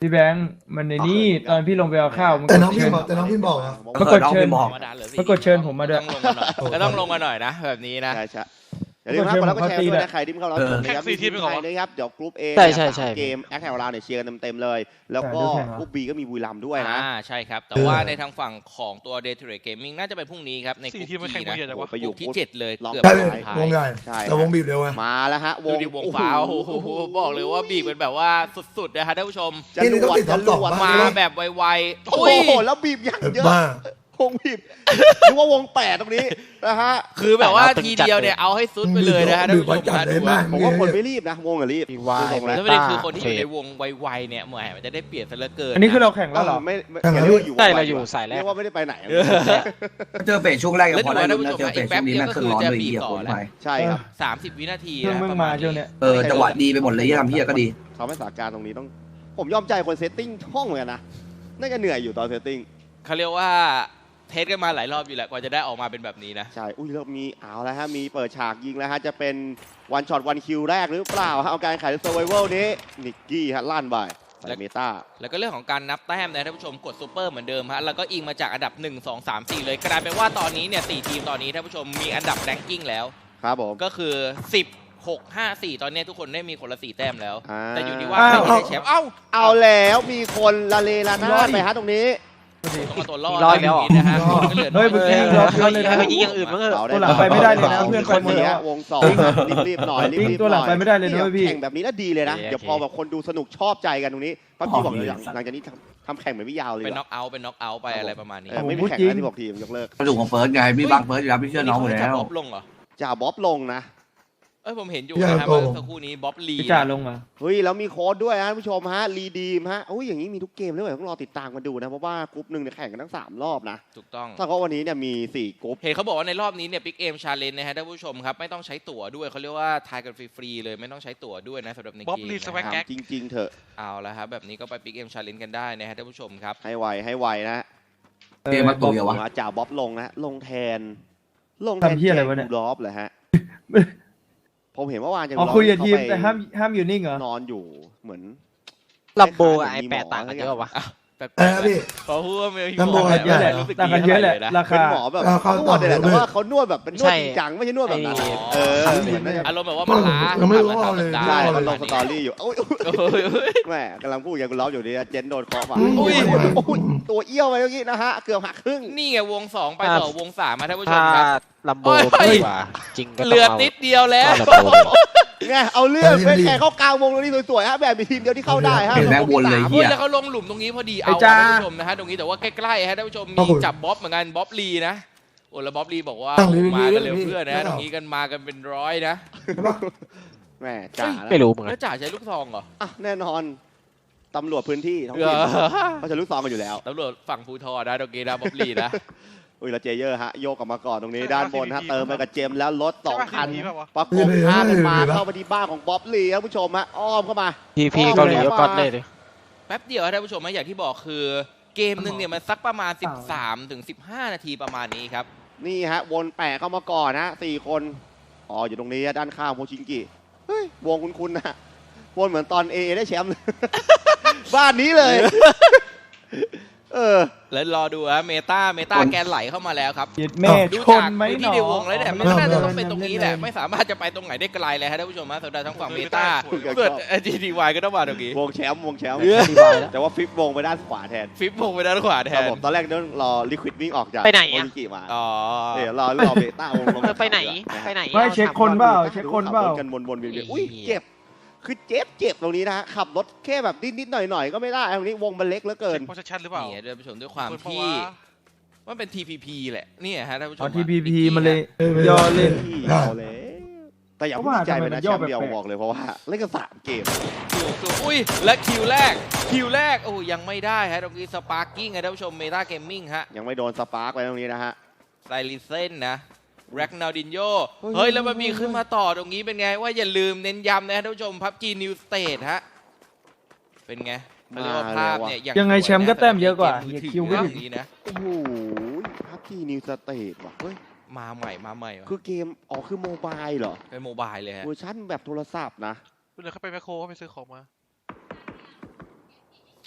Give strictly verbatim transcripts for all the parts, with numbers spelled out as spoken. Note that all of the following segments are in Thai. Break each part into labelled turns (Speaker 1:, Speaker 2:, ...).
Speaker 1: พี่แบงค์มันในนี่ตอนพี่ลงไปเอาข้าวมัน
Speaker 2: แต่
Speaker 1: ก
Speaker 2: น้อ
Speaker 1: ด
Speaker 2: งพี่
Speaker 1: เชิญ
Speaker 2: บอกแต่น้องพี่บอกอะ
Speaker 1: มันกดเชิญ
Speaker 3: บอก
Speaker 1: มันกดเชิญผมมาด้วย
Speaker 4: ก็ต้องลงมาหน่อยนะแบบนี้นะ
Speaker 5: ใช่ใช่อย่าลืมครับแล้วก็แชร์ด้วยนะใครที่เข้ารับชมนะครับมีทีมไทยนะครับเดี๋ยวกรุ๊ป A
Speaker 3: ใช่ใช่ใช่
Speaker 5: เกมแอคแถวเราเนี่ยเชียร์กันเต็มๆเลย แล้วก็กรุ๊ป B ก็มีบุรีรัมย์ด้วยนะ
Speaker 4: อ่าใช่ครับ แต่ว่าในทางฝั่งของตัว Day to Day Gaming น่าจะเป็นพรุ่งนี้ครับในกลุ่ม
Speaker 6: สี่ทีมมันแข่ง
Speaker 4: นะ
Speaker 6: เยอะจังวะ
Speaker 5: ไปอยู่
Speaker 4: ที่เจ็ดเลย
Speaker 5: ลอง
Speaker 4: เกือบ
Speaker 2: ใช่
Speaker 4: สุ
Speaker 2: เลย
Speaker 4: ดท้ายว
Speaker 2: งใหญ่
Speaker 5: ใช่
Speaker 2: แต่วงบีบเร็วไง
Speaker 5: มาแล้วฮะว
Speaker 4: ดู
Speaker 5: ง
Speaker 4: ดิวงฟ้าวโอ้โหบอกเลยว่าบีบเป็นแบบว่าสุดๆนะฮะท่านผู้ชม
Speaker 5: จะรวดจะรวด
Speaker 4: มา
Speaker 5: มา
Speaker 4: แบบไวๆ
Speaker 5: โอ้
Speaker 4: อุ้ย
Speaker 5: โหแล้วบีบอย่างเยอะ
Speaker 2: บ้าว
Speaker 5: งบีบหรือว่าวงแปดตรงนี้นะฮะ
Speaker 4: คือแบบว่าทีเดียวเนี่ยเอาให้สุดไปเลยนะฮะท่านผู้ชม
Speaker 2: จัด
Speaker 4: นะ
Speaker 2: เลย
Speaker 4: ดู
Speaker 2: มาก
Speaker 5: ผมว่าคนไม่รีบนะวงอะรีบ
Speaker 3: วาย
Speaker 5: ดูทรง
Speaker 4: แล้
Speaker 5: แล้ว ว
Speaker 4: ประเด็นคือคนที่อยู่ในวงไวๆเนี่ยเหมือนมันจะได้เปรียบซะเหลือเกิน
Speaker 1: อันนี้คือเราแข่งแล้วเหรอ
Speaker 5: ไม่ไม่
Speaker 2: แข่งแล้ว
Speaker 5: เรียกว่าอยู่
Speaker 3: ใช่เราอยู่สายแรก
Speaker 5: เรียกว่าไม่ได้ไปไหน
Speaker 7: เจอเฟสช่วงแรกยัง
Speaker 4: แล้ว
Speaker 7: พ
Speaker 4: ดู
Speaker 7: อได้
Speaker 4: นะท่าน
Speaker 7: ลุ้น
Speaker 4: ผู้ช
Speaker 7: นะ
Speaker 4: ม
Speaker 7: เจอ
Speaker 4: อี
Speaker 7: เฟ
Speaker 4: ก
Speaker 7: ส
Speaker 4: แป๊
Speaker 7: ช่
Speaker 4: บ
Speaker 7: วงนี้
Speaker 4: เดียว
Speaker 7: แม่ง
Speaker 4: ก็
Speaker 7: ขึ้
Speaker 4: คื
Speaker 7: น
Speaker 4: อ
Speaker 7: ร้อน
Speaker 4: จะ
Speaker 7: เลย
Speaker 4: บีบ
Speaker 7: เหี้ย
Speaker 4: ต่
Speaker 7: โค
Speaker 4: อ
Speaker 7: ตร
Speaker 4: แล้
Speaker 7: ไป
Speaker 4: ว
Speaker 5: ใช่ครับ
Speaker 4: สามสิบวินาที
Speaker 1: เครื่อง
Speaker 4: นะ
Speaker 1: มึง
Speaker 4: ประ
Speaker 1: มา
Speaker 4: มาณ
Speaker 1: เจ้าเนี่
Speaker 4: นี้
Speaker 1: ย
Speaker 7: เออจังหวะดีไปหมดเลยที่ทำพี่อะก็ดี
Speaker 5: เขาไม่สถานการณ์ตรงนี้ต้องผมยอมใจคนเซตติ้งห้องเหมือนกันนะน่าจะเหนื่อยอยู่ตอนเซตติ้ง
Speaker 4: เขาเรียกว่าเทสกันมาหลายรอบอยู่แหละกว่าจะได้ออกมาเป็นแบบนี้นะ
Speaker 5: ใช่อุ้ยแล้วมีเอาแล้วฮะมีเปิดฉากยิงแล้วฮะจะเป็นวันช็อตวันคิวแรกหรือเปล่าฮะเอาการขายเซอร์ไวเวลนี้นิกกี้ฮะลั่นไปใส่เมตา
Speaker 4: แล้วก็เรื่องของการนับแต้มนะท่านผู้ชมกดซูเปอร์เหมือนเดิมฮะแล้วก็อิงมาจากอันดับหนึ่ง สอง สาม สี่เลยกลายเป็นว่าตอนนี้เนี่ยสี่ทีมตอนนี้ท่านผู้ชมมีอันดับแรงกิ้งแล้ว
Speaker 5: ครับผม
Speaker 4: ก็คือสิบ หก ห้า สี่ตอนนี้ทุกคนได้มีคนละสี่แต้มแล้ว
Speaker 5: อ่า
Speaker 4: แต่อยู่ที่ว่าใครจะได้แชมป์เอ้า
Speaker 5: เอาแล้วมีคนละเลละนาดไปฮะตรงนี้
Speaker 4: ต้องมาตัวรอด
Speaker 3: รอดแล้ว
Speaker 4: ตรงนี้นะฮะก็เหลือน้
Speaker 1: เฮ้
Speaker 4: อย
Speaker 1: เมื่อกี้รอบเยอะเลยนะ
Speaker 3: เมื่อกี้อย่างอื่นมั้งเออ
Speaker 5: เราได้
Speaker 1: ตัวหลังไปไม่ได้เลยนะเพื่อนไปหมดแล้ว
Speaker 5: วงสองรีบๆหน่อยรี
Speaker 1: จริง
Speaker 5: บๆ
Speaker 1: ตัวหลัง
Speaker 5: น่อย
Speaker 1: ไปไม่ได้เลยนะเว้ยพี่
Speaker 5: แข่งแบบนี้แล้วดีเลยนะเดี๋ยวพอแบบคนดูสนุกชอบใจกันตรงนี้ปั๊บพี่บอกเลยหลังจากนี้ทำทำแข่งเหมือนไม่ยาวเลย
Speaker 4: เป็นน็อกเอาท์เป็นน็อกเอาท์ไปอะไรประมาณนี้
Speaker 5: เออไม่มีแข่งนะที่บอกทีมยกเลิก
Speaker 7: กระดูกของเฟิร์สไงพี่บังเฟิร์สอยู่แล้วพี่เชื่อน้องหมด
Speaker 4: นี่
Speaker 7: แล้
Speaker 4: เขา
Speaker 7: ว
Speaker 4: จะบ๊อบลงเหรอ
Speaker 5: จ่าบ๊อบลงนะ
Speaker 4: เอ้ยผมเห็นอยู่
Speaker 2: อย่า
Speaker 4: นะครับ
Speaker 2: โกง
Speaker 4: เมื่อสักครู่นี้บ๊อบลี
Speaker 1: พี่จ่าลงมา
Speaker 5: เฮ้ยแล้วมีโค้ดด้วยฮะท่านผู้ชมฮะรีดีมฮะโอ้ยอย่างนี้มีทุกเกมเลยต้องรอติดตามกันดูนะเพราะว่ากรุ๊ปหนึ่งเนี่ยแข่งกันทั้งสามรอบนะ
Speaker 4: ถูกต้อง
Speaker 5: ถ้าเขาวันนี้เนี่ยมีสี่กรุ๊ป
Speaker 4: เห็นเขาบอกว่าในรอบนี้เนี่ยบิ๊กเอมชาเลนจ์นะฮะท่านผู้ชมครับไม่ต้องใช้ตั๋วด้วยเขาเรียกว่าทายกันฟรีๆเลยไม่ต้องใช้ตั๋วด้วยนะสำหรับใน
Speaker 6: บ๊อบ
Speaker 4: เกม
Speaker 6: ลี
Speaker 4: นะ
Speaker 6: สแว็ก
Speaker 4: ครับ
Speaker 6: แก๊ก
Speaker 5: จริง ๆเถอะ
Speaker 4: เอาละครับแบบนี้ก็ไปบิ๊กเอมชาเลนจ์กันได้นะฮะท่านผู้ชมครับ
Speaker 5: ให้ไวให้ไวนะ
Speaker 2: เออ
Speaker 7: เกมมาตุยเหรอวะ
Speaker 5: จ่าบ๊อบลงนะลงแทน ลงแทน
Speaker 1: ทำเหี้ยอะไรวะเนี่ย
Speaker 5: รอบเลยฮะ ผมเห็นเมื่อวานจะ
Speaker 1: อ๋อคุยกับทีมแต่ห้ามห้ามอยู่นิ่งเหรอ
Speaker 5: นอนอยู่เหมือน
Speaker 3: ลัมโบกับไอแปดต่างกันเยอะวะ
Speaker 4: แปลก
Speaker 2: เออ
Speaker 4: ๆ
Speaker 2: พี่
Speaker 4: เพราะว่ามี
Speaker 2: ลำโพง
Speaker 1: เยอะแหละ
Speaker 4: รู้สึก
Speaker 1: ต่างกัน
Speaker 4: ดี
Speaker 1: เยอะแหละ
Speaker 4: ท่าไนะ
Speaker 1: รา
Speaker 5: เป็น
Speaker 1: คา
Speaker 5: หมอแบบ
Speaker 2: เอาเข้า
Speaker 5: นวดเลยแหละ
Speaker 2: ต่อเลย
Speaker 5: แต่ว่าเขานวดแบบเป็นนวด
Speaker 3: ใช่
Speaker 5: จริงจังไม่ใช่นวดแบบนั้น
Speaker 4: ไอ้
Speaker 5: เออ
Speaker 2: ครับ
Speaker 5: เหมือนน่าจะ
Speaker 4: อารมณ์แบบว่ามันล้า
Speaker 2: ยังไม่รู้ว่าเลย
Speaker 4: ทำ
Speaker 5: ได้
Speaker 4: ได้
Speaker 5: มันลงสตอรี่อยู่โอ้ย
Speaker 4: โอ้ยโอ้ย
Speaker 5: แม่กำลังพูดอย่างกูร้องอยู่ดีเจนโดนเคาะมา
Speaker 2: อุ้ย
Speaker 5: โอ้ยตัวเอี้ยวไปเมื่อกี้นะฮะเกือบหักครึ่ง
Speaker 4: นี่ไงวงสองไปต่อวงสามมาท่านผู้ช
Speaker 3: ถ้าม
Speaker 4: ครับ
Speaker 3: ลัมโบ
Speaker 4: โอ้ย
Speaker 3: ดีกว่าจริงก็ต้อง
Speaker 4: เหลือ
Speaker 3: เอา
Speaker 4: นิดเดียวแล้ว
Speaker 3: ก็ลัมโบเลย
Speaker 5: ไงเอาเรื่องเป็นแข่งเข้ากลางวงตรงนี้สวยๆฮะแบบมีทีมเดียวที่เข้าได้ฮะ
Speaker 7: เห็นแม่งวนเลย
Speaker 4: เฮ้ยแล้วเขาลงหลุมตรงนี้พอดีเอา
Speaker 1: ไอ้จ้า
Speaker 4: ท่านผู้ชมนะฮะตรงนี้แต่ว่าใกล้ๆฮะท่านผู้ชม
Speaker 2: ขอบ
Speaker 4: มี
Speaker 2: คุณ
Speaker 4: จับบ๊อบเหมือนกันบ๊อบลีนะโอ้แล้วบ๊อบลีบอกว่า
Speaker 2: ตั้งลี
Speaker 4: มากัน
Speaker 2: ลี
Speaker 4: เร็ว
Speaker 2: ลี
Speaker 4: เพื่อนนะ
Speaker 2: ลี
Speaker 4: ฮะตรงนี้กันมากันเป็นร้อยนะ
Speaker 5: แม่จ่านะ
Speaker 3: ไม่รู้เหมือนกั
Speaker 4: แล้
Speaker 3: น
Speaker 4: วจ่าใช้ลูกซองเหรอ
Speaker 5: อ่ะแน่นอนตำรวจพื้นที่ท้อง
Speaker 4: เอ
Speaker 5: ถิ่น
Speaker 4: อ
Speaker 5: เขาจะลูกซองกันอยู่แล้ว
Speaker 4: ตำรวจฝั่งภูทรนะตรงนี้นะบ๊อบลีนะ
Speaker 5: อุ้ยแล้วเจเยอร์ฮะโยกกลับมาก่อนตรงนี้
Speaker 6: ใช่
Speaker 5: ด้านบนฮะ
Speaker 6: ทีม
Speaker 5: เติมไปกับเจมส์แล้วรถสองคัน
Speaker 6: ใช่ปะทีมแบบวะ
Speaker 5: ประกบพากันมาเข้าไปที่บ้านของบ๊อบลีครับผู้ชมฮะอ้อมเข้ามา
Speaker 3: พีพีเกาหลีก็ก๊อตเลยดิ
Speaker 4: แป๊บเดียวท่านผู้ชมนะอย่างที่บอกคือเกมหนึ่งเนี่ยมันสักประมาณ สิบสามถึงสิบห้า นาทีประมาณนี้ครับ
Speaker 5: นี่ฮะวนแปะเข้ามาก่อนนะสี่คนอ๋ออยู่ตรงนี้ด้านข้างโมชิงกิเฮ้ยวงคุ้นๆนะวนเหมือนตอนเอได้แชมป์เลย บ้านนี้เลย เออ
Speaker 4: แล้วรอดูฮะเมตาเมตาแกนไหลเข้ามาแล้วครับ
Speaker 1: เย็ดแม่
Speaker 4: ดู
Speaker 1: ชน
Speaker 4: จาก
Speaker 1: ไหม
Speaker 4: พื้น
Speaker 1: หน
Speaker 4: ที่
Speaker 1: อ
Speaker 4: ในวงแล้วเนี่ยมันก็น่าจะต้องเป็นตรงนี้แหละไม่สามารถจะไปตรงไหนได้ไกลเลยฮะท่านผู้ชมฮะสำหรับทั้งฝั่งเมตา
Speaker 5: สวย
Speaker 4: เกิดจีดีวายก็ต้องมาตรงนี้
Speaker 5: วงแชมป์วงแชมป์
Speaker 3: อธิบายแล้ว
Speaker 5: แต่ว่าฟลิปวงไปด้านขวาแทน
Speaker 4: ฟิปวงไปด้านขวาแท
Speaker 5: ครับ
Speaker 4: น
Speaker 5: ผมตอนแรกต้องรอลิควิดวิ่งออกจาก
Speaker 3: ไปไหนอะ
Speaker 5: โมชิงกิมา
Speaker 4: อ๋อ
Speaker 5: เดี๋ยวรอรอเบต้าวงลง
Speaker 3: เออไปไหนไปไหน
Speaker 1: ไม่เช็คคนเปล่าเช็คคนเปล่า
Speaker 5: ขับรถกันวนๆเวียนๆอุ้ยเจ็บคือเจ็บเจ็บตรงนี้นะฮะขับรถแค่แบบนิดๆหน่อยๆก็ไม่ได้ตรงนี้วงมันเล็กเหลือเกิน
Speaker 6: โพสชั่นหรือเปล่า
Speaker 4: นี่ท่านผู้ชมด้วยความ
Speaker 6: เปิดเพราะ
Speaker 4: ที่
Speaker 6: ว่า
Speaker 4: มันเป็น ที พี พี แหละนี่ฮะท่านผู้ช
Speaker 1: อ๋อ
Speaker 4: ม
Speaker 1: ทีพีพี
Speaker 4: ฮะ
Speaker 1: มันเลย
Speaker 2: เออ
Speaker 1: ย่อเล่น
Speaker 5: เอาเลยแต่อย่า
Speaker 1: เพ
Speaker 5: เพิ่
Speaker 1: ราะ
Speaker 5: ง
Speaker 1: ว่า
Speaker 5: ใจไปนะ
Speaker 1: ทำไมมันย่
Speaker 5: แช
Speaker 1: อ
Speaker 5: มป์เดียว
Speaker 1: แปลกๆ
Speaker 5: บอกเลยเพราะว่าเล่นกันสามเกม
Speaker 4: ถูกถูกอุ้ยและคิวแรกคิวแรกโอ้ยังไม่ได้ฮะตรงนี้สปาร์กิ้งฮะท่านผู้ชมเมตาเกมมิ่งฮะ
Speaker 5: ยังไม่โดนสปาร์กไปตรงนี้นะฮะ
Speaker 4: ไซริเซนนะแร็กนาดินโย
Speaker 5: เฮ้ย
Speaker 4: เฮ้ย แล้วมันมีขึ้นมาต่อตรงนี้เป็นไง ว่าอย่าลืมเน้นย้ำนะท่านผู้ชมพับจีนิวสเตทฮะ เป็นไงเขาเรียกว่าภาพเนี่ยอ
Speaker 1: ยังไงแชมป์ก็แต้มเยอะกว่า
Speaker 4: มือถือ
Speaker 1: คิวก็ถึง
Speaker 4: อย่างนี้นะ
Speaker 5: โอ้โหพับที่นิวสเตทว่ะเฮ้ย
Speaker 4: มาใหม่มาใหม่ว่ะ
Speaker 5: คือเกมอ๋อคือโมบายเหรอ
Speaker 4: เป็นโมบายเลยฮะ
Speaker 5: เวอร์ชันแบบโทรศัพท์นะ
Speaker 6: เดี๋ยวเขาไปแมคโครเขาไปซื้อของมา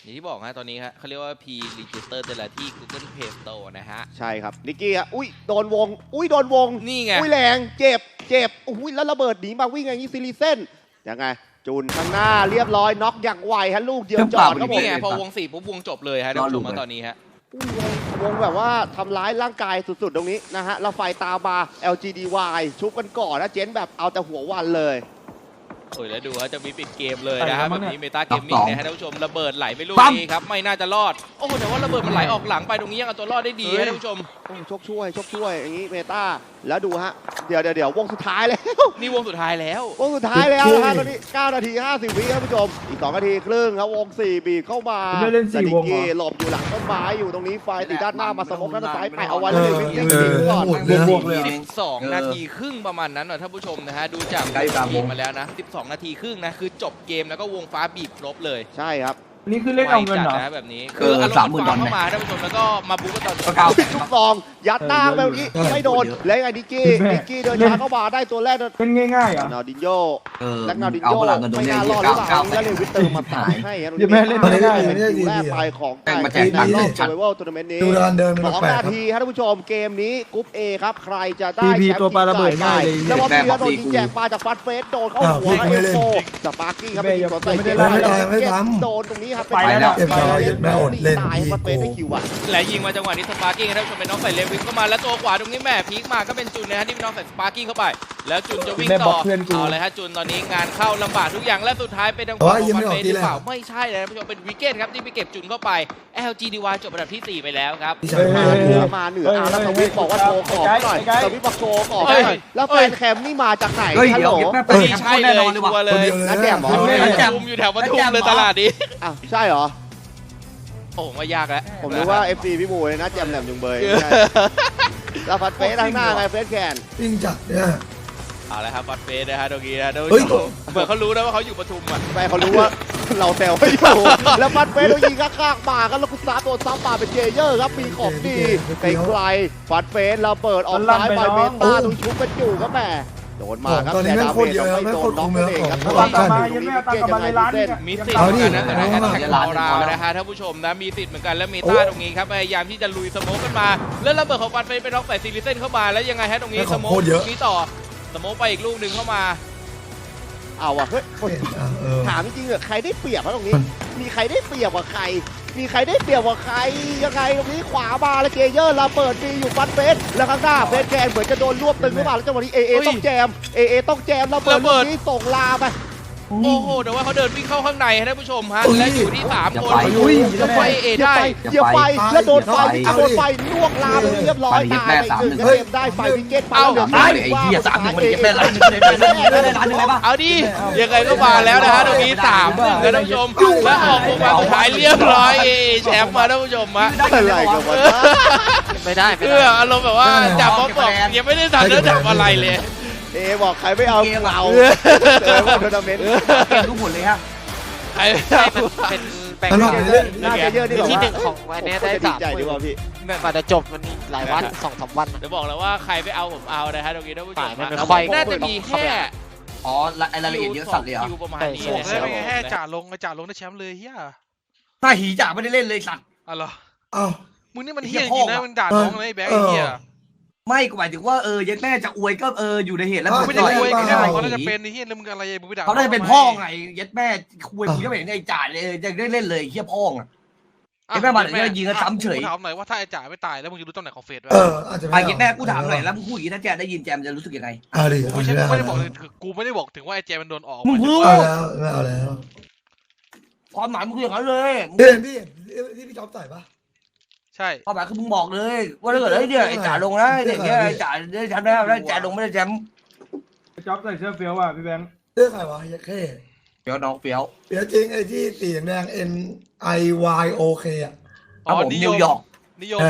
Speaker 4: อย่างที่บอกฮะตอนนี้ฮะเขาเรียกว่า P Register แต่ละที่ Google Play Store นะฮะ
Speaker 5: ใช่ครับนิกกี้ฮะอุ้ยโดนวงอุ้ยโดนวง
Speaker 4: นี่ไง
Speaker 5: อุ้ยแรงเจ็บเจ็บอุ้ยแล้วระเบิดหนีมาวิ่งอย่างนี้ซิลิเซนยังไงจูนข้างหน้าเรียบร้อยน็อกอย่างไวฮะลูกเดียวจอดครับผม
Speaker 4: นี่ไงพอวงสี่ปุ๊บวงจบเลยฮะท่านผู้ชมมาตอนนี้ฮะ
Speaker 5: อุ้ยวงแบบว่าทำร้ายร่างกายสุดๆตรงนี้นะฮะแล้วไฟตามมา แอล จี ดี วาย ชุบกันก่อนนะเจนแบบเอาแต่หัววันเลย
Speaker 4: โอ้ยแล้วดูฮะจะมีปิดเกมเลยนะฮะ
Speaker 1: ไป
Speaker 4: แบ
Speaker 1: แล้ว
Speaker 4: บ
Speaker 1: มั้ง
Speaker 4: นี้
Speaker 1: เนี่ย
Speaker 4: เมตาเกมมิ่งนะฮะท่านผู้ชมระเบิดไหลไปลูก
Speaker 7: ปั๊ม
Speaker 4: นี้ครับไม่น่าจะรอดโอ้โหแต่ว่าระเบิดมันไหลออกหลังไปตรงนี้ยังเอาตัวรอดได้ดีฮะท่านผู้ชม
Speaker 5: โอ้โชคช่วยโชคช่วยอย่างนี้เมตาแล้วดูฮะเดี๋ยวเดี๋ยวเดี๋ยววงสุดท้ายแล้ว
Speaker 4: นี่วงสุดท้ายแล้ว
Speaker 5: วงสุดท้ายแล้วนะฮะตอนนี้เก้านาทีห้าสิบวิครับผู้ชมอีกสองนาทีครึ่งครับวงสี่บีบเข้ามา
Speaker 1: ไม่เล่นสี่วงเหรอ
Speaker 5: แต่นิกกี้หลบอยู่หลังต้นไม้อยู่ตรงนี้ไฟติดด้านหน้ามาสมองด้านซ้ายแปะเอาไว้
Speaker 2: เอ
Speaker 5: เลย
Speaker 2: อ
Speaker 5: วิ่ง
Speaker 2: เอ
Speaker 5: เล่น
Speaker 2: อ
Speaker 5: ทิ้งก่อน
Speaker 2: หมดเลย
Speaker 1: บวกเลย
Speaker 4: สิบสองนาทีครึ่งประมาณนั้นหน่อยท่านผู้ชมนะฮะดูจาก
Speaker 7: ใกล้กลางวง
Speaker 4: มาแล้วนะสิบสองนาทีครึ่งนะคือจบเกมแล้วก็วงฟ้าบีบครบเลย
Speaker 5: ใช่ครับ
Speaker 1: นี่คือเล่นเอาเงินเหรอ
Speaker 4: ไวจัดนะแบบนี้
Speaker 7: เออ
Speaker 4: อารมณ์
Speaker 7: สามหมื่น
Speaker 4: ฟ้า
Speaker 7: ดอล
Speaker 4: เข้ามาท่านผู้ชมแล้วก็มาบุกกันตอนจ
Speaker 7: ก็
Speaker 4: บ
Speaker 7: เก้า
Speaker 5: ทุกซองยัดหน้าไปเมื่อกี้
Speaker 2: เออ
Speaker 5: ไม่โดน
Speaker 7: เยอะ
Speaker 5: แล้วไงนิกกี้
Speaker 1: แม่
Speaker 5: นิกกี้เดินช้าเข้ามาได้ตัวแรก
Speaker 1: เล่นง่ายๆเหรอ
Speaker 5: นาดินโย
Speaker 7: เออ
Speaker 5: แล็กนาดิน
Speaker 7: เอา
Speaker 5: โย
Speaker 7: พลังกันตรง
Speaker 5: ไม่
Speaker 7: เนี้ย
Speaker 5: น่ารอดหรือเปล่า
Speaker 7: เก้า
Speaker 5: แล้วเลยวิตเตอร์มาตายให้ครับ
Speaker 1: เดี๋ยวแม่เล่นไม่ได้
Speaker 5: เป็นคิวแรกไปของ
Speaker 7: แม่งมาแจก
Speaker 5: การ
Speaker 7: ตังค์
Speaker 5: รอบ
Speaker 7: ชัด
Speaker 5: เซอร์ไวทัวร์นาเมนต์นี้
Speaker 2: ดูการเดิน
Speaker 5: ส
Speaker 2: มัน
Speaker 5: อง
Speaker 2: แปลก
Speaker 5: นา
Speaker 2: ๆครับ
Speaker 5: ทีครับท่านผู้ชมเกมนี้กรุ๊ป A ครับใครจะได้
Speaker 1: พี
Speaker 5: แช
Speaker 1: พี
Speaker 5: มป์
Speaker 1: ตัวปลาระเบิดง่ายเลย
Speaker 5: แล้วพอ
Speaker 7: แม่
Speaker 5: พีแล้วโดน
Speaker 7: บอก
Speaker 5: ยิง
Speaker 7: กู
Speaker 5: แจกปลาจากฟันเฟสโดนเข้า
Speaker 2: อ้าว
Speaker 5: หัว
Speaker 2: พี่
Speaker 5: เอ
Speaker 2: ไม่
Speaker 5: ฟ
Speaker 2: เล่น
Speaker 5: โฟสปาร์กิ้งครับ
Speaker 1: แม่
Speaker 5: เป็น
Speaker 1: ยัง
Speaker 5: ตัวใส่
Speaker 1: ไม่ได้
Speaker 5: เกม
Speaker 1: ไล่
Speaker 5: แล้ว
Speaker 2: ไม่ทำ
Speaker 5: โดนตรงนี้ครับ
Speaker 1: ไปแล้ว
Speaker 2: เก็บสายแม่อดเล่น
Speaker 5: ตายฟันเฟสได้คิวอ่ะ
Speaker 4: และยิงมาจังหวะนี้สปาร์กิ้งท่านผู้ชมเป็นน้องใส่เลวิสเข้ามาแล้วตัวขวาตรงนี้แม่พีคมาก็เป็นจุนนะฮะที่เป็นน้องใส่สปาร์กิ้งเข้าไปแล้วจุนจะวิ่ง
Speaker 1: แม่บ
Speaker 4: ต่
Speaker 1: อ
Speaker 4: อก
Speaker 1: เพื่อนกู
Speaker 4: เอาเลยฮะจุนตอนนี้งานเข้าลำบากทุกอย่างและสุดท้ายเป็นทาง
Speaker 2: แต่ว่า
Speaker 4: ข
Speaker 2: ยัง
Speaker 4: อง
Speaker 2: ไม่
Speaker 4: ฟัน
Speaker 2: ออก
Speaker 4: เฟส
Speaker 2: ที
Speaker 4: หรือ
Speaker 2: แรก
Speaker 4: เปล่าไม่ใช่เลยท่านผู้ชมเป็นวิกเก็ตครับที่ไปเก็บจุนเข้าไป แอล จี ดี วาย จบอันดับที่สี่ไปแล้วครับ
Speaker 2: พี่
Speaker 1: เฮ้
Speaker 2: ชาย
Speaker 1: ย
Speaker 2: มา
Speaker 5: เหนือมาเหนืออ่ะแล้วสวิตบอกว่าโชว์ขอบหน่อยสวิตบอกโชว์ขอบหน่อยแล้วแฟนแคมนี่มาจากไหน
Speaker 7: เฮ้ย
Speaker 5: ฮัล
Speaker 7: เดี๋
Speaker 5: โห
Speaker 7: ยว
Speaker 5: ล
Speaker 7: แม่
Speaker 2: เออ
Speaker 7: ไป
Speaker 4: ใช่
Speaker 7: แน่
Speaker 4: เล
Speaker 7: นอย นเลย
Speaker 4: ชั
Speaker 7: ว่ะ
Speaker 4: วร์เล
Speaker 2: คน
Speaker 4: ย
Speaker 2: เดียวเลย
Speaker 5: นัดแจมเหรอ
Speaker 2: นะ
Speaker 4: ปทุมอยู่แถวปทุมเลยตลาดนี้
Speaker 5: อ้าวใช่เหรอ
Speaker 4: โอ้ว่ายากแล้ว
Speaker 5: ผมนึกว่า เอฟ ซี พี่บูเลยนะแจมแหลมจุงเบยไม่ใช่แล้วฟันเฟสทางหน้าไงเฟสแคน
Speaker 2: วิ่งจัดเนี่ย
Speaker 4: เอาละครับบัตเฟสนะฮะตรงนี้นะท่าน
Speaker 2: เฮ้
Speaker 4: ผู้
Speaker 2: ย
Speaker 4: ชมเหมือนเขารู้นะว่าเขาอยู่ปทุมอ่ะ
Speaker 5: ไปเขารู้ว่า เราแซวไม่อยู่ แล้วฟันเฟสเรายิงข้างๆมากันแล้วคุณซาโดนซ้ำมาเป็นเจเยอร์ครับมีของดีไกลๆฟันเฟสเราเปิดออกซ้ายไปเมตาตรงชุบกันอยู่ครับแม่โดนมาครับ
Speaker 2: ตอนนี้
Speaker 5: แต่
Speaker 2: แม่
Speaker 5: ดาง
Speaker 2: โค
Speaker 5: เม
Speaker 2: ตร
Speaker 5: จ
Speaker 2: เยอะ
Speaker 5: ไม่
Speaker 2: แม่ง
Speaker 5: โด
Speaker 2: โคน ตร
Speaker 5: น็อก
Speaker 2: คุ้ม
Speaker 5: นั่นเองครับ
Speaker 2: แล้ว
Speaker 5: ว่า
Speaker 2: ตามมา
Speaker 5: ตรงนี้เกมยังไงเส้น
Speaker 4: มีสิทธิ์
Speaker 2: เอา
Speaker 4: เหมื
Speaker 2: ดิ
Speaker 4: อนกันนะแต่ในแอตแทก
Speaker 7: เอา
Speaker 4: ของ
Speaker 7: ดิ
Speaker 4: เรานะฮะท่านผู้ชมนะมีสิทธิ์เหมือนกันแล้วเมตาตรงนี้ครับพยายามที่จะลุยสโมกกันมาแล้วระเบิดของฟันเฟสไปน็อกใส่ซิลิเซนเข้ามาแล้วยังไงฮะตรงนี้
Speaker 2: แม่ง
Speaker 4: ส
Speaker 2: ของ
Speaker 4: โมก
Speaker 2: โคตรเยอะ
Speaker 4: นี้ต่อสโมกไปอีกลูกหนึ่งเข้ามา
Speaker 5: เอาอะเฮ้ย
Speaker 2: อ่ะเออ
Speaker 5: ถามจริงๆเหรอใครได้เปรียบวะตรงนี้ มีใครได้เปรียบกว่าใคร มีใครได้เปรียบกว่าใครยังไงตรงนี้ขวามาแล้วเกเยอร์เราเปิดดีอยู่ฟันเฟสแล้วข้างหน้าเฟสแกนเหมือนจะโดนรวบตึงหรือเปล่าแล้วจังหวะนี้เอเอ
Speaker 4: เฮ้ย
Speaker 5: ต้องแจมเอเอต้องแจมเราเปิด
Speaker 4: ระเบิ
Speaker 5: ลู
Speaker 4: ด
Speaker 5: กนี้ส่งลาไป
Speaker 4: โอ้โหแต่ว่าเขาเดินวิ่งเข้าข้างในฮะท่านผู้ชมฮะ
Speaker 2: อุ้ย
Speaker 4: และอยู่ที่สาม
Speaker 7: อย่า
Speaker 4: คน
Speaker 7: ไป
Speaker 2: อุ้ย
Speaker 4: จะไปเอ
Speaker 5: เหยียบ
Speaker 4: ได้
Speaker 5: ไฟเหยียบไฟแล้วโดนไฟ
Speaker 7: อย่าไป
Speaker 5: โดนไฟลวกลาไปเรียบร้อย
Speaker 7: ไปเหยียบ
Speaker 5: ตาย
Speaker 7: แม่
Speaker 5: ไป
Speaker 7: สาม
Speaker 5: หนึ่ง
Speaker 7: หนึ่ง
Speaker 5: เกมได้ไฟวิกเก็ตไป
Speaker 4: เอ้า
Speaker 5: เหลือ
Speaker 7: ตายเลยไอ้เหี้ยสามหนึ่งมันเก็บได้ล้านหนึ่งได้ล้านหนึ่งได้ล้านหนึ่งเลยปะ
Speaker 4: เอาดิยังไงก็มาแล้วนะฮะตรงนี้สามหนึ่งนะท่านผู้ชมและออกพวกมาสุดท้ายเรียบร้อยเอแชมป์มาท่านผู้ชมฮะ
Speaker 5: อะไรกันวะ
Speaker 3: ไม่ได้ไม่
Speaker 4: เพื่อ
Speaker 3: ได้
Speaker 4: อารมณ์แบบว่าจับป๊อปบอกยังไม่ได้ทำแล้วจับอะไรเลย
Speaker 5: เอบอกใครไม่เอาเราเจอพวกทัวร์นาเมนต์
Speaker 7: เกมทุกผลเลยฮะ
Speaker 4: ไอ้
Speaker 3: เป็นแบ่ง
Speaker 2: ตลอดเลย
Speaker 5: น่าจะเยอะนี่แบบ
Speaker 3: ที่
Speaker 5: ว่า
Speaker 3: หนึ่งของวันนี้ได้
Speaker 5: ดี
Speaker 3: สาม
Speaker 5: ใจดีกว่าพี่
Speaker 3: กว่าจะจบมันหลายวันสองสามวัน
Speaker 4: จะบอกแล้วว่าใครไปเอาผมเอานะฮะตรงนี้ท่านผู้ชม
Speaker 3: ป่าไม่
Speaker 4: ฮะ
Speaker 3: ค่อย
Speaker 4: น่าจะมีแค่
Speaker 7: อ๋อไอ้รายละเอียดเยอะสัตว์เลยเหรอ
Speaker 4: คิวประมาณนี้
Speaker 3: ใช่
Speaker 4: เลย
Speaker 3: ใช่
Speaker 6: ได้ไงให้จ่าลงไอ้จ่าลงได้แชมป์เลยเฮีย
Speaker 7: ถ้าหีจ่าไม่ได้เล่นเลยสัตว์
Speaker 6: อ๋อเหรอ
Speaker 2: เอ้า
Speaker 6: มึงนี่มัน
Speaker 7: ไอ้
Speaker 6: เฮี
Speaker 7: เหี้
Speaker 6: ย
Speaker 7: ย
Speaker 6: จริงนะ
Speaker 7: พ่อ
Speaker 6: มึงด่าน้องเลยไอ้แบงค์ไอ้เฮีย
Speaker 7: ไม่ก็หมายถึงว่าเออยัดแม่จะอวยก็เอออยู่ในเหตุแล้ว
Speaker 2: เออ
Speaker 6: ไม่ได้อวย
Speaker 2: ไม่
Speaker 6: แค่
Speaker 2: ได้
Speaker 6: เขาน่าจะเป็นไอ้เฮียแล้วมึงอะไรมึงไปด่า
Speaker 7: เขาได้เป็นพ่อไงยัดแม่คุยมึงก็ไม่เห็นไอ้จ่าเลยจะได้เล่นเลยเฮียพ่ออ่ะ ไอ้แม่มาเดี๋ยวยิงกันซ้ำเฉย
Speaker 6: กูถามหน่อยว่าถ้าไอ้จ่าไม่ตายแล้วมึงจะรู้ตำแหน่งของเฟสไหม
Speaker 2: เอออาจจะ
Speaker 7: ไอ้
Speaker 2: ไม่
Speaker 7: ยัดแม่กูถามหน่อยแล้วมึงพูดอย่างนี้ถ้าแจได้ยินแจมจะรู้สึกยังไง
Speaker 2: เอาดิ
Speaker 6: กู
Speaker 2: เอา
Speaker 6: ไม่
Speaker 2: ดิ
Speaker 6: ใช่
Speaker 2: เอา
Speaker 6: ไม่ได้บอก
Speaker 2: แล้
Speaker 6: เล
Speaker 2: วย
Speaker 6: คือกูไม่ได้บอกถึงว่าไอ้แจมันโดนออก
Speaker 7: มึงพูด
Speaker 2: เอาแล้วไม่เอาแล้ว
Speaker 7: ความหมายมึงคืออย่างนั้นเลย
Speaker 2: พี่เห็นพี่เห็นที่พี่จ๊อบใส่ปะ
Speaker 6: ใช่
Speaker 7: ความหมายคือมึงบอกเลยว่าถ้าเกิดไอ้เนี่ยไอ้จ่าลงนะไอ้เนี่ยไอ้จ่าได้แชมป์แล้วได้จ่าลงไม่ได้แชมป์
Speaker 1: จ๊อบใส่เสื้อเฟี้ยวอ่ะพี่แบงค์
Speaker 2: เรื่องใครวะยักษ์เข้
Speaker 7: เฟี้ยวน้องเฟี้ยว
Speaker 2: เดี๋ยวจริงไอ้ที่สีแดง N I Y O K อ่ะ
Speaker 7: ครับผมนิวยอร์ก
Speaker 6: นิยม
Speaker 2: ใช่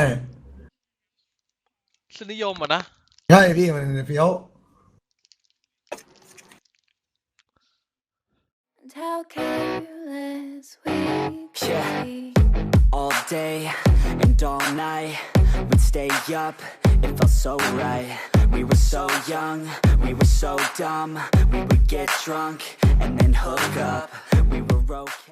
Speaker 6: สนิยมอ่ะนะ
Speaker 2: ใช่พี่มันเฟี้ยว
Speaker 8: How careless we could
Speaker 9: Yeah.
Speaker 8: be.
Speaker 9: All day and all night, we'd stay up, it felt so right. We were so young, we were so dumb. We would get drunk and then hook up. We were okay.